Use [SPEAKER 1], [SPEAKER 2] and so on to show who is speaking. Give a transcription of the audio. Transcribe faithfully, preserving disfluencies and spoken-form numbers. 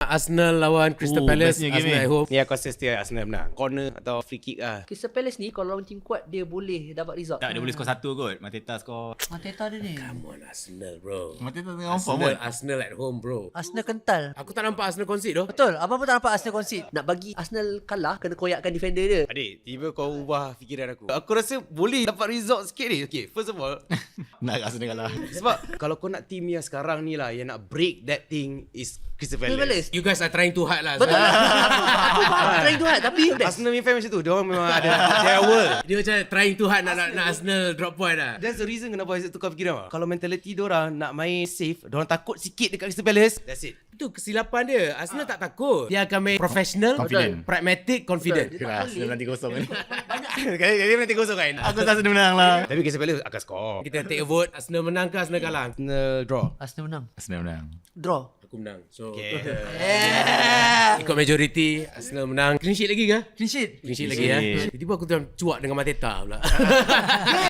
[SPEAKER 1] Arsenal lawan Crystal
[SPEAKER 2] Oh,
[SPEAKER 1] Palace.
[SPEAKER 2] bestnya game
[SPEAKER 1] Arsenal
[SPEAKER 2] ni.
[SPEAKER 1] at home.
[SPEAKER 3] Ni aku rasa still Arsenal menang. Corner atau free kick lah.
[SPEAKER 4] Crystal Palace ni kalau lawan tim kuat dia boleh dapat result.
[SPEAKER 2] Tak, dia boleh skor satu kot. Mateta skor.
[SPEAKER 5] Mateta dia ni.
[SPEAKER 1] Come on Arsenal bro.
[SPEAKER 2] Mateta tengah on form
[SPEAKER 1] Arsenal,
[SPEAKER 2] kot.
[SPEAKER 1] Arsenal at home bro.
[SPEAKER 5] Arsenal kental.
[SPEAKER 1] Aku tak nampak Arsenal concede doh.
[SPEAKER 5] Betul. Abang pun tak nampak Arsenal concede.
[SPEAKER 4] Nak bagi Arsenal kalah kena koyakkan defender dia.
[SPEAKER 3] Adik, tiba kau ubah fikiran aku. Aku rasa boleh dapat result sikit ni. Okay, first of all,
[SPEAKER 2] Nak Arsenal kalah.
[SPEAKER 3] sebab kalau kau nak team yang sekarang ni lah, yang nak break that thing is Crystal
[SPEAKER 4] Crystal
[SPEAKER 3] Palace.
[SPEAKER 4] Palace.
[SPEAKER 1] You guys are trying too hard lah.
[SPEAKER 4] Betul lah. Aku, aku faham trying to hard tapi
[SPEAKER 3] Arsenal punya fan macam tu. Diorang memang ada their world.
[SPEAKER 1] Dia macam trying too hard nak, nak, nak Arsenal drop point lah.
[SPEAKER 3] That's the reason kenapa Isaac tukar fikiran. Kalau mentality diorang nak main safe, diorang takut sikit dekat Crystal Palace. That's it.
[SPEAKER 1] Itu kesilapan dia. Arsenal tak takut. Dia akan main professional,
[SPEAKER 2] Confident.
[SPEAKER 1] pragmatic, confident.
[SPEAKER 4] Betul.
[SPEAKER 2] Yalah, Arsenal nanti kosong kan.
[SPEAKER 3] Kali kali nanti kosong kan.
[SPEAKER 2] Aku tak sedang menang lah.
[SPEAKER 3] Tapi Crystal Palace akan score.
[SPEAKER 1] Kita take a vote. Arsenal menang ke Arsenal kalah?
[SPEAKER 3] Arsenal draw.
[SPEAKER 5] Arsenal menang.
[SPEAKER 2] Arsenal menang.
[SPEAKER 5] Draw.
[SPEAKER 1] Aku menang. So
[SPEAKER 3] Okay.
[SPEAKER 1] ikut majority, Arsenal menang. Clean sheet lagi ke?
[SPEAKER 5] Clean sheet.
[SPEAKER 1] Clean sheet lagi ya.
[SPEAKER 2] sheet.
[SPEAKER 1] Tiba-tiba aku tu cuak dengan Mateta pula.